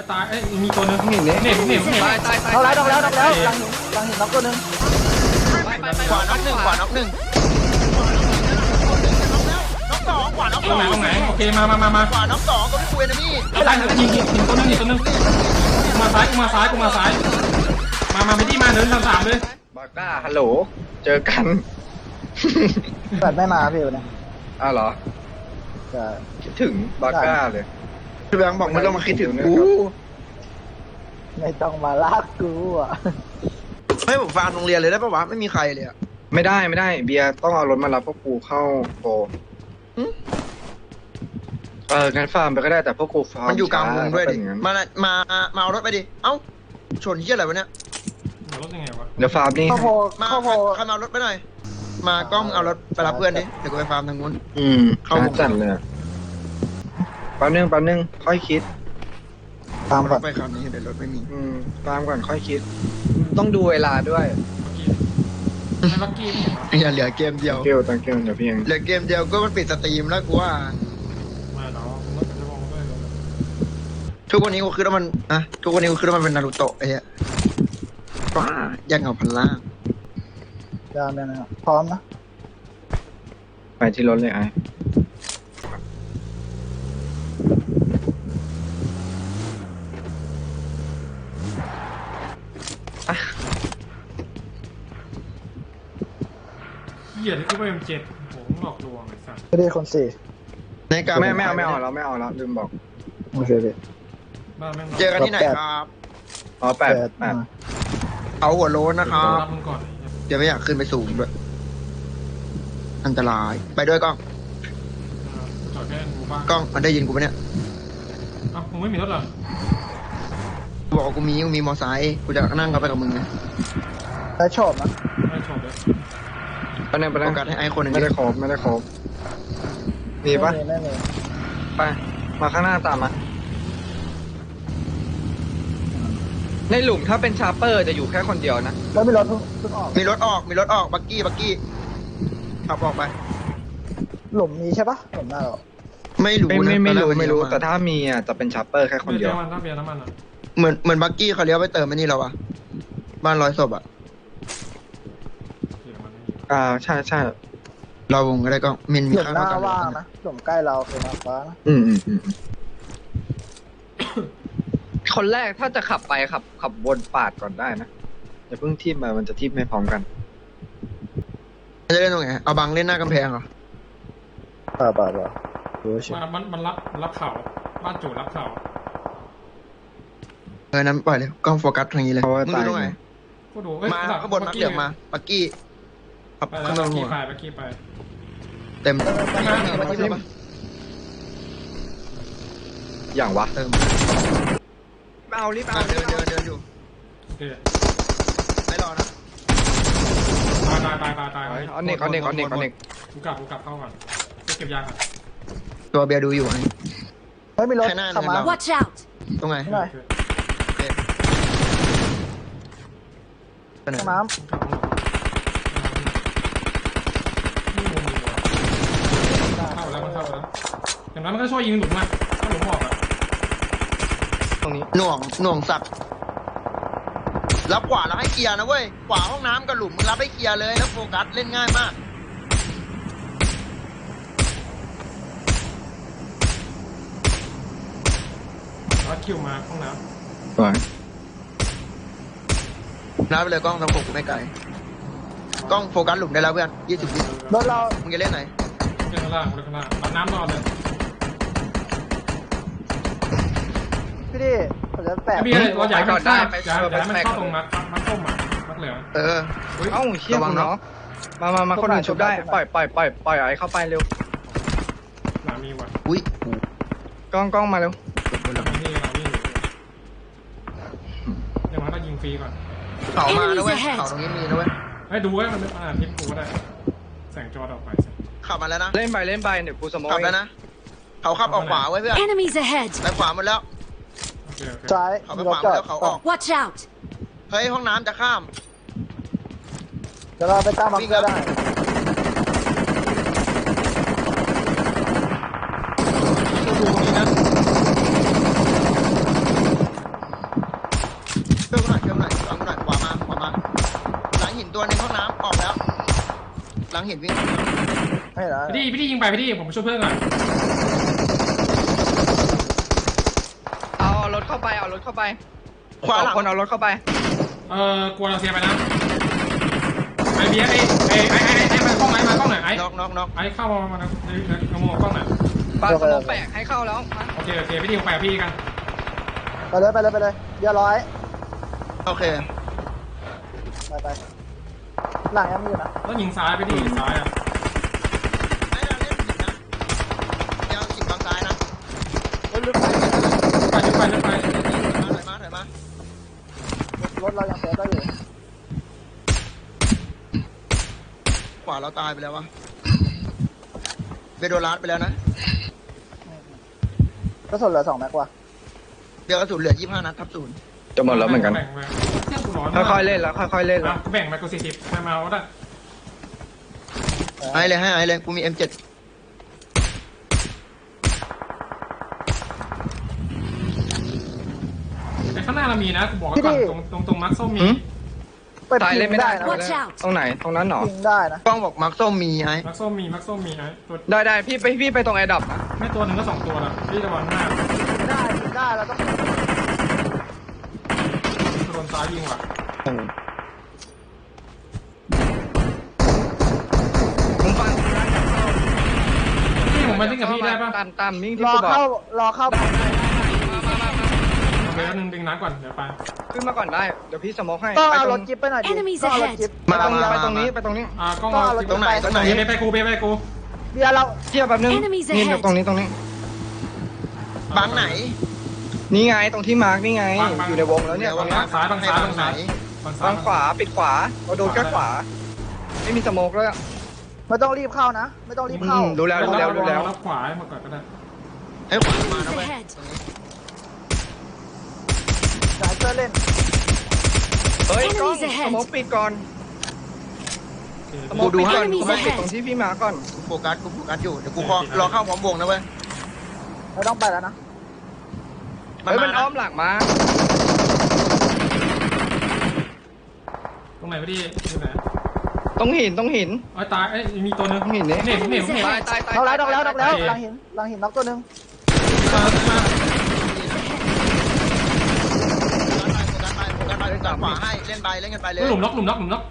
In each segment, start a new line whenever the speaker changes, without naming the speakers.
ตายมีตัวนึง
เห็นเลย
เน็ต
ตาย
เอาแล้วเอาแล้วเอาแล้วหลังหินน็อกตัวนึง
ขวาน็อกหนึ่งขวาน็อกหนึ่งน็อกสองขวาน็อกส
ตร
อง
ไหนโอเคมา
ขวาน็อกสองตัวที่คุยนะพี่
ตายยิงตัวนึงกูมาซ้ายมาไปที่มาเดินทาง3เลย
บาก้าฮัลโหลเจอกัน
เปิดไม่มาพี่วันนี้
อ้าวเหรอ
จะ
คิดถึงบาก้าเลย
พี่แบงค์บอกไม่ต้องมาคิดถึงกู
ไม่ต้องมาลากกูอ่ะ
ให้ผมฟาร์มโรงเรียนเลยได้ปะวะไม่มีใครเลยอะ
ไม่ได้เบียร์ต้องเอารถมารับพวกกูเข้าโปรงั้นฟาร์มไปก็ได้แต่พวกกูฟาร์ม
มันอยู่กลางวงด้วยดิ
ช้า
มาเอารถไปดิเอ้าชนเหี้ยอะไรวะเนี่ย
รถยังไงวะ
เดี๋ยวฟาร์มนี่
ข้าวโพด
มา
ข้าวโพด
ใครมาเอารถไปหน่อยมากล้องเอารถไปรับเพื่อนดิเดี๋ยวกูไปฟาร์มทางนู้น
เข้าจัดเลยแป๊บนึงค่อยคิด
ตาม
ร
ก่อ
ถ
น
ไปคันนี้เดี๋ยวรถไม่มี
ฟาร์มก่อนค่อยคิด ต้องดูเวลาด้วย
ไม่ลักกี้ไม่เห็น
อย่าเหลือเกมเดียว
ตังเกลเดี๋ยวพี่เอง
เหลือเกมเดียวก็มันปิดสตรีมแล้วกูว่า
มาเนาะรถจะมองด้วย
ทุกวันนี้กูคิดว่ามันทุกวันนี้กูคิดว่ามันเป็นนารูโตะไอ้เหี้ยว้าแย่งเอาพันล่าง
ยาวเนี่ยนะพร้อมนะ
ไปที่รถเลยไอ้
เหยียดที่กูไปM7โหหลอกลวงไอ้สัส
ไม่ได้คนสี่
ในการ
ไม่เอาแล้วลืมบอก
โอเคพี่
บ้าแม่ง
เจอกันที่ไหนครับ
อ๋อแปด
เอาหัวโล้นนะครับ
รับมึงก่อน
เดี๋ยวไม่อยากขึ้นไปสูงด้วยอันตรายไปด้วยกล้อง
จอดแค่กูบ้าน
กล้องมันได้ยินกูปะเนี่ย
อ้าวมึงไม่มีรถเหรอ
กูบอกว่ากูมีมอไซค์กูจะนั่งเข้าไปกับมึงไง
ได้ชอบนะ
ไม่ชมเลย
ไปนั่ง
โอกาสให้ไอ้คนหนึ่ง
ไม่ได้ครบมีปะ
ไม่มี
ไปมาข้างหน้าตามมาในหลุมถ้าเป็นชาร์เปอร์จะอยู่แค่คนเดียวนะ
แล้วมีรถเพิ่งออก
มีรถออกบักกี้ขับออกไป
หลุมมีใช่ปะหลุมหน้าเรา
ไม่รู้นะ
ไม่รู้แต่ถ้ามีอ่ะจะเป็นชาร์เปอร์แค่คนเดียว
มันถ้าเบียร์น้ำมันอ่ะ
เหมือนบักกี้เขาเลี้ยวไปเติมไอ้นี่เราอะบ้านร้อยศพอะ
เบียร์มัน
ใช่
เราวงก็ได้ก็มินมี
หลุม
ค่า
หน้า
เท่ากัน
ว่างนะหลุมใกล้เราคือมาฟ้านะ
คนแรกถ้าจะขับไปขับวนปาดก่อนได้นะอย่าเพิ่งทิ่มมามันจะทิ่มไม่พร้อมกัน
จะเล่นตรงไหนเอาบังเล่นหน้ากำแพงเหรอ
ป่าดูเฉย
มันรับเข่าบ้านจูรับเข่า
นั้นปล่อยเลยกล้องโฟกัสทางนี้เลย
เพราะว่า
มึงดูตรงไหน
กูดู
มาข้างบนมาเหลืองมาบักกี้ขับ
ไปแล้
ข้าง
ว
บนหัว
บักกี้ไป
เต็ม
อย่างวะ
เติม
เอารีบเอา
เดินอยู่
โอเค
ไม่รอนะ
ตาย
เอาเน็ก
กูกลับเข้าก่อนเก็บยาครับ
ตัวเบียร์ดูอยู่ไง
เฮ้ยมีรถ
แค่หน้า
ขับมา
เนี่ย
Watch out!
ตรงไหน
หน่อย
โอเคไปไหน
ห้องน้
เข้าแล้วอย่างนั้นมันก็ช่วยยิงหลุมมาถ้าหลุมออกอ่ะ
ตรงนี้
หน่วงสัตว์รับขวาแล้วให้เคลียร์นะเว้ยขวาห้องน้ำกับหลุมมึงรับให้เคลียร์เลยแล้วโฟกัสเล่นง่ายมาก
แล้วคิวมาห้องน้
สวย
นับไปเลยกล้องทางผมไม่ไกลกล้องโฟกัสหลุมได้แล้วเพื่อน20
ำรถเรา
มึงจะเล่นไหน
ำเล่นข้างล่างรับน้ำนอนเลย
พี่ดิผมจะแปะ
เบียร์เราอยากมันเข้าอยากมันเข้าตรงมัดส้มอ่ะมัดเหลือง
เออ
เอ้าเชี่ยมึงเนาะมาคนอื่นชุบได้ปล่อยไอ้เข้าไปเร็ว
หนามีว่ะ
อุ้ย
กล้องมาเร็ว
เราวิ่งเดี๋ยวมันต้องยิงฟรีก่อน
เขามาแล้วเว้ยเขาตรงนี้มีนะเว้ย
ให้ดูว่ามันทิปกูก็ได้แสงจอออกไป
ขับมาแล้วนะ
เล่นไปเดี๋ยวกูสมอง
ขับแล้วนะเขาขับออกขวาไว้เพื่อน
Enemies ahead!
ไปขวาหมดแล้ว
โอเค
ซ้าย
เขาไป
มีร
ข
ถ
วาหม
จ
ด
อด
แล้วเขาออก
Watch out!
เฮ้ยห้องน้ำจะข้าม
เดี๋ยวเราไปตามมาเพื่อได้
ดูตรงนี้นะเห็นวิ่ง
ไม่เหรอ
พี่ยิงไปพี่ผมไปช่วยเพื่อนก่อน
เอารถเข้าไปเอารถเข้าไป
ขวาหลัง
คนเอารถเข้าไป
กลัวเราเสียไปนะไอเบียร์ไอ้มากล้องมากล้องหน่อยไอ้
น็อก
ไอ้เข้ามานะเอามากล้องหน่อย
บ้านสมองแปลกให้เข้าแล้วมา
โอเคพี่ผมไปกับพี่กัน
ไปเลยเดี๋ยวร้อย
โอเค
ไปหลังยังมีอยู่นะ
แล้วยิงซ้ายไปดิซ้ายอ่ะ
ให้เราเล่นผิดนะเดี๋ยวจิบบางซ้ายนะ
ลึกไป
ไปถอยมาร
ถ
เรายังเซฟได้อยู่
ขวาเราตายไปแล้ววะเบโดรัสไปแล้วนะ
ก็ส่วนเหลือ2 แม็กว่ะ
เดี๋ยวกระสุนเหลือ25 นัดทับศูนย์
จะหมดแล้วเหมือนกัน
แบ่งไปเครื่องกูร้อน
ค่อยๆเล่นแล้วค่อยๆเล่นแล้ว
แบ่งไปกู40มาเอาได้
ให้เลยกูมี M7
ไอ้ข้างหน้าเรามีนะกูบอกก่อนตรงมาร์คส้มมี
ไป
ตาย
พิ
เล่น
ง
ไม่ได้
ได้นะ
Watch out
ตรงไหนตรงนั้นหรอ
พิงได้นะ
กล้องบอกมาร์คส้มมีไอ้
มาร์คส้มมีไอ้ตัว
ได้พี่ไปตรงแอร์ดรอปนะ
แม่ตัวหนึ่งก็2ตัวละพี่ระวังหน้า
พิงได้เราต้อง
โดนซ้ายยิงว่ะ
ผมฟัง
พี่ผมมาทิ้งกับพี่ได้ปะ
ตามมิ่งที่
รอ
กูบอก
เข้า
มา
โอเคแล้วดึงน้ำก่อนเดี๋ยวไป
ขึ้นมาก่อนได้เดี๋ยวพี่สโมกให้
ต้อง
ไป
เอา
ต
ร
ร
ถ
ง
จิ๊บไปหน่อยดิ
Enemies
ต้องเอารถ
ahead
จิ๊บ
ไปตรงนี้ไปตรงนี้ไปตรงนี้
กล้อง
ตรงไหน
ไปกู
เบียร์เรา
เทียบแบบนึง
Enemies
นี่
ahead
ตรงนี้
บังไหน
นี่ไงตรงที่มาร์กนี่ไงอยู่ในวงแล้วเนี่ยตรงนี้
ซ้ายบางซ้ายบางซ้าย
ทางขวาปิดขวาเราโดนแค่ขวาไม่มีสโมกแล้ว
ไม่ต้องรีบเข้านะ ไม่ต้องรีบเข้า
ดูแล้ว
รับขวาให้มาก่อนก็ได้
ให้ขวามานะ
Enemies
เว้ย
ahead
สายเสื้อเล่น
เฮ้ยกล้อง
Enemies ahead
สโมกปิดก่อนสโมกปิดก่อนกูปิดตรงที่พี่มาก่อน
กูโฟกัสอยู่เดี๋ยวกูรอเข้าพร้อมวงนะเว้ย
ไม่ต้องไปแล้วนะ
เฮ้ยมันอ้อมหลังมา
ตรงไหนพี่อยู่ไหน
ต้องหิน
ตายมีตัวนึง
ต้องหินนี่
เห็น
ตาย
เอาแล้วน็อกแล้วหลังหินน็อกตัวนึง
โฟกัสไปจับขวาให้เล่นกันไปเลย
หลุมล็อกกั้นหนุน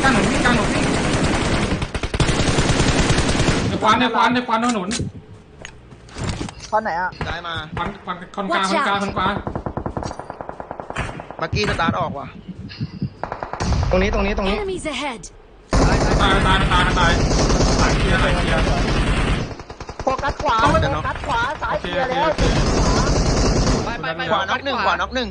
ในควันถนน
ตอนไหนอ่ะ
ซ้ายมา
คอนกลาง
บักกี้สตาร์ทออกว่ะ
ตรงนี้
Enemies ahead
ตายสายเคลียร์
โฟกัสขวาสายเกียร์แล้ว
ไป
ขวาน็อกหนึ่งน็อก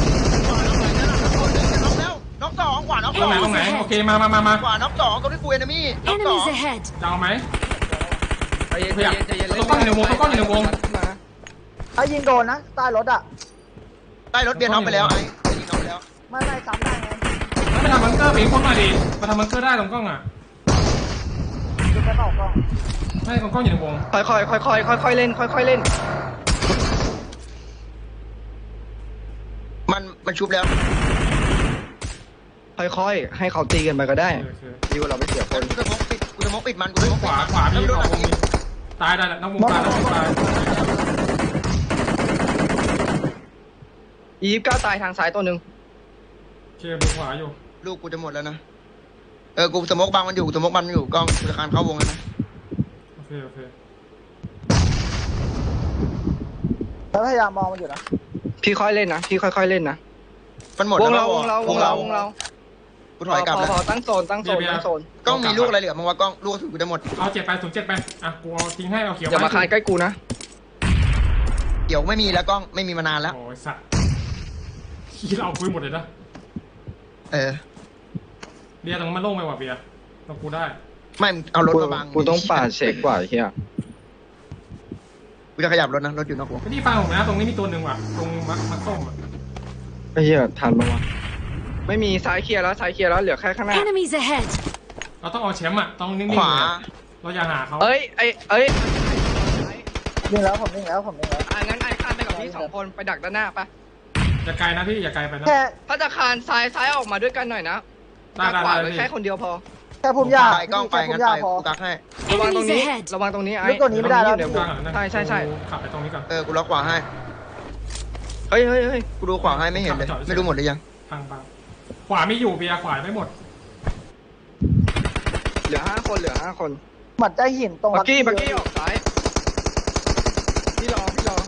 แล้วน็อก2ขวาน็อก
ตรงไหนโอเคมา
ขวาน็อก2ตรงที่กูเอนมี่น็อก
Enemies ahead
จะเอาไหม
ใจเย็น
ต้องอยู่ในวง
ถ้ายิงโดนนะใต้รถอ่ะ
ใต้รถเบียร์น็อกไปแล้วไอ้ยิงน็อกไปแล้ว
ไม่ซ้ำได้ไง
ไม่ทำบังเกอร์ปีกคนมาดิมาทำบังเกอร์ได้ตรงกล้องอ่ะ
ยิงไปเปล่ากล้อง
ไม่ตรงกล้องอยู่ในวง
ค่อยเล่น
มันชุบแล้ว
ค่อยให้เขาตีกันไปก็ได้ดีกว่าเราไม่เสียคน
กูจะมกปิดมัน
ขวาพี่ของวงตายได้น้องวงตาย
29ตายทางซ้ายตัวหนึ่ง
เชียร์ดูขวาอยู่
ลูกกูจะหมดแล้วนะกูสมกบังมันอยู่กล้องกูจะคานเข้าวงแล้วนะ
โอเค
แล้วพยายามมองมันอยู่นะ
พี่ค่อยเล่นนะ
มันหมด
วง
แล้ว
เรา
กูถอยกลับแล้ว
พอตั้งโซน
กล้องมีลูกอะไรเหลือมั้งวะกล้องลูกสุดกูจะหมด
เอา7 ไป07ไปอ่ะกูเอาทิ้งให้เอาเขียว
อย่ามาคานใกล้กูนะ
เดี๋ยวไม่มีแล้วกล้องไม่มีมานานแล้ว
โอ้ยสัตว์ขี้เราคุยหมดเลยนะ เบียร์ตรงมันโล่งไปว่ะเบียร์ตรงกูได้
ไม่เอารถมาบัง
กูต้องปาดเช็คกว่าเฮีย
กูจะขยับรถนะรถอยู่นอกวง
ไม่ได้ฟังผมนะตรงนี้มีตัวหนึ่งว่ะตรงมัดส้มอ่ะ
ไอ้เฮียทันปะวะไม่มีซ้ายเคลียร์แล้วเหลือแค่ข้างหน้า
Enemies ahead
เราต้องเอาแชมป์อ่ะต้องนิ่งๆ
ขวา
เราอย่าหาเขา
เอ้ย
ยิงแล้วผมยิงแล้ว
งั้นไอ้คานไปกับพี่2คนไปดักด้านหน้าปะ
อย่าไกลนะพี่อย่าไกลไปนะ
แค่
ถ้าจะคานซ้ายออกมาด้วยกันหน่อยนะ
ได้
ขวาไว้แค่คนเดียวพอ
แค่พุ่มหญ้า
ไปกล้องไป
แค่พุ่
งั้น
มหญ้า
ไป
พอ
กูกักให้
ระวังตรงนี้
Enemies ahead
ระวังตรงนี้ไอ้
ลึกกว่านี้ไม่ได้แล้ว
เดี๋ยว
กลางก่อนนะ
ใช่
กูขับไปตรงนี้ก่อน
กูล็อกขวาให้
เฮ้ยเฮ้ยเฮ้ย
กูดูขวาให้ไม่เห็นเลย ไม่รู้หมดหรือยัง
พังปังขวาไม่อยู่เบียร์ขวาไม่หมด
เหลือ5 คนเหลือ5 คน
หมัดใจหินตรง
บักกี้ออกซ้ายพี่รอ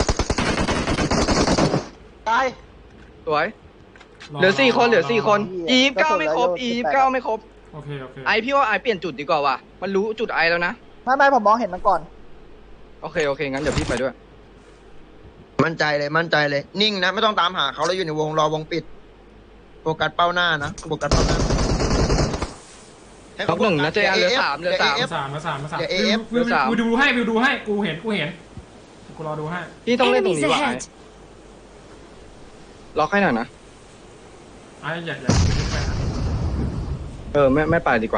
ตาย
สวยเหลือ4 คนเหลือ4 คน 29ไม่ครบ 29ไม่ครบ
โอเคโอเค
ไอพี่ว่าไอเปลี่ยนจุดดีกว่าว่ะมันรู้จุดไอแล้วนะ
ไม่ผมมองเห็นมันก่อน
โอเคงั้นเดี๋ยวพี่ไปด้วย
มั่นใจเลย นิ่งนะ ไม่ต้องตามหาเขาแล้วอยู่ในวงรอวงปิด โฟกัสเป้าหน้านะ โฟกัสเป้าหน้า
ล็อกหนึ่งนะเจเหลือ3เหลือ
มา
3
สาม
เดี๋ยว AF
วิวดูให้วิวดูให้กูเห็นกูรอดูให้
พี่ต้องเล่นตรง
Enemies
นี้ว่ะไอ
ahead
ล็อกให้หน่อยนะ
ไอ้อย่าไปนะ
ไม่ไปดีกว่า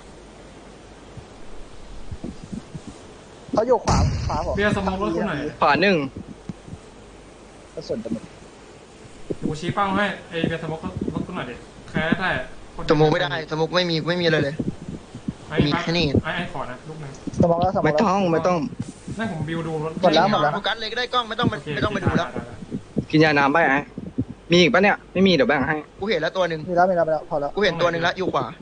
เขาอยู่ขวาผม
เบียร์สมองรถกูหน่อย
ขวา1
กระสุนจะหมด
กูชี้เป้าให้ไอ้เบียร์สมองรถกูหน่อยดิแค่ได้
สมุกไม่ได้ สมุกไม่มีอะไรเลย มีแค่นี้
ไอ้ขอนะลูกนึง
สมองแล้ว
ไม่ต้อง
นั่นผมบิวดูรถ
หมดแล้ว
โฟกัสเลยก็ได้กล้องไม่ต้องไปดูแล้ว
กินยาน้ำไปไอมีอีกปะเนี่ยไม่มีเดี๋ยวแบ่งให้
กูเห็นแล้วตัวหนึ่ง
มีแล้วพอแล้ว
กูเห็นตัวหนึ่งแล้วอยู่ขวา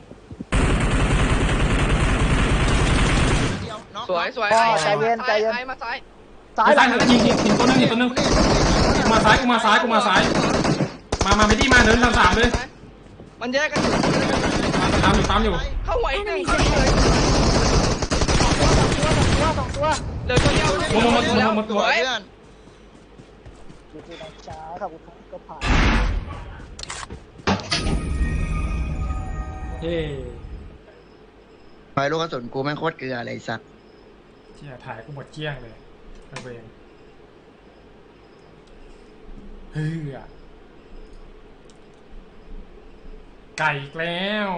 สวย
ใจเย็น
ไอมาซ้าย
ซ้าย
ซ้ายยิงตัวนึงกูมาซ้ายมาไม่ดีมาเดินทาง3เลย
มันแยกกันอยู่
ตามอยู่
เข้าไว้หนึ่ง
Enemies ahead
สองตัว
เหลือตัวเดียว
หมด
สวย
เพื่อน
อยู่ที่น้องช้าครับก็ผ่าน
เฮ้
ไฟลูกกระสุนกูแม่งโคตรเกลือเลยไอ้สัตว์
เที่ยถ่ายกูหมดเกี้ยงเลยระเวงเฮ้ยไก่อีกแล้ว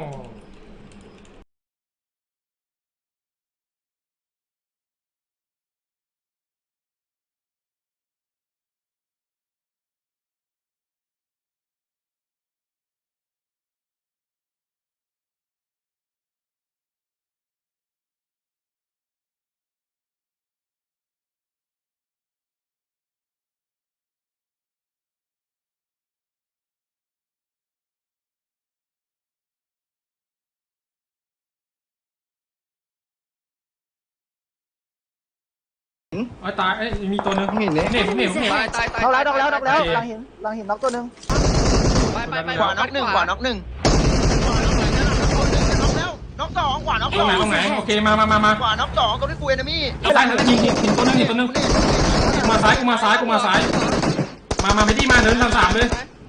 ไอ้ตายไอ้มีตัวนึง
เห็นเนี่ย
เนี่ย
ตาย
น็อกแล้วหลังหินน็อกตัวนึง
ไป
ขวาน็อกหนึ่งน็อกแล้วน็อกสองขวาน็อก
ต
ส
รง
อง
ไหนโอเคมา
ขวาน็อกสองตรงที่กูเอนมี่
ซ้ายยิงตัวนึงกูมาซ้ายมาไม่ดีมาเดินทาง3เลย